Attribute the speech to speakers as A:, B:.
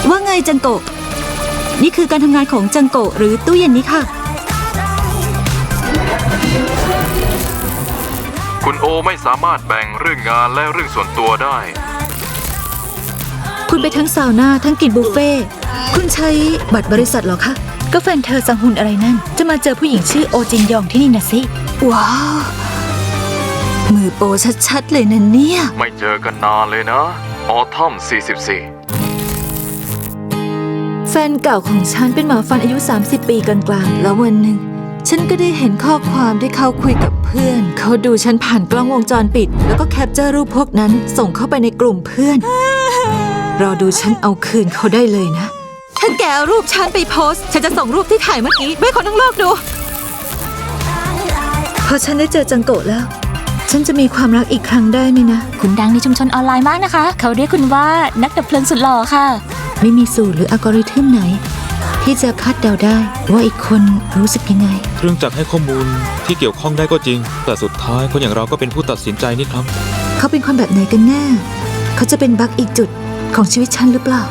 A: ว่าไงจังโกะนี่คือการทำงานของจังโกะหรือตู้เย็นนี้ค่ะ
B: คุณโอไม่สามารถแบ่งเรื่องงานและเรื่องส่วนตัวได้
A: คุณไปทั้งซาวน่าทั้งกินบุฟเฟ่คุณใช้บัตรบริษัทเหรอคะก็แฟนเธอสังหุนอะไรนั่นจะมาเจอผู้หญิงชื่อโอจินยองที่นี่นะสิว้าวมือโปชัดๆเลยนะเนี่ย
B: ไม่เจอกันนานเลยนะออทัม44
A: แฟนเก่าของฉันเป็นหมอฟันอายุ30 ปีกลางๆแล้ววันหนึ่งฉันก็ได้เห็นข้อความที่เขาคุยกับเพื่อนเขาดูฉันผ่านกล้องวงจรปิดแล้วก็แคปเจอร์รูปพวกนั้นส่งเข้าไปในกลุ่มเพื่อนรอดูฉันเอาคืนเขาได้เลยนะถ้าแกเอารูปฉันไปโพสต์ฉันจะส่งรูปที่ถ่ายเมื่อกี้ให้คนทั้งโลกดูพอฉันได้เจอจังโกะแล้วฉันจะมีความรักอีกครั้งได้ไหมนะ
C: คุณดังในชุมชนออนไลน์มากนะคะเขาเรียกคุณว่านักดับเพลิงสุดหล่อค่ะ
A: ไม่มีสูตรหรืออัลกอริทึมไหนที่จะคาดเดาได้ว่าอีกคนรู้สึกยังไง
D: เครื่องจักรให้ข้อมูลที่เกี่ยวข้องได้ก็จริงแต่สุดท้ายคนอย่างเราก็เป็นผู้ตัดสินใจนี่ครับ
A: เขาเป็นคนแบบไหนกันแน่เขาจะเป็นบั๊กอีกจุดของชีวิตฉันหรือเปล่า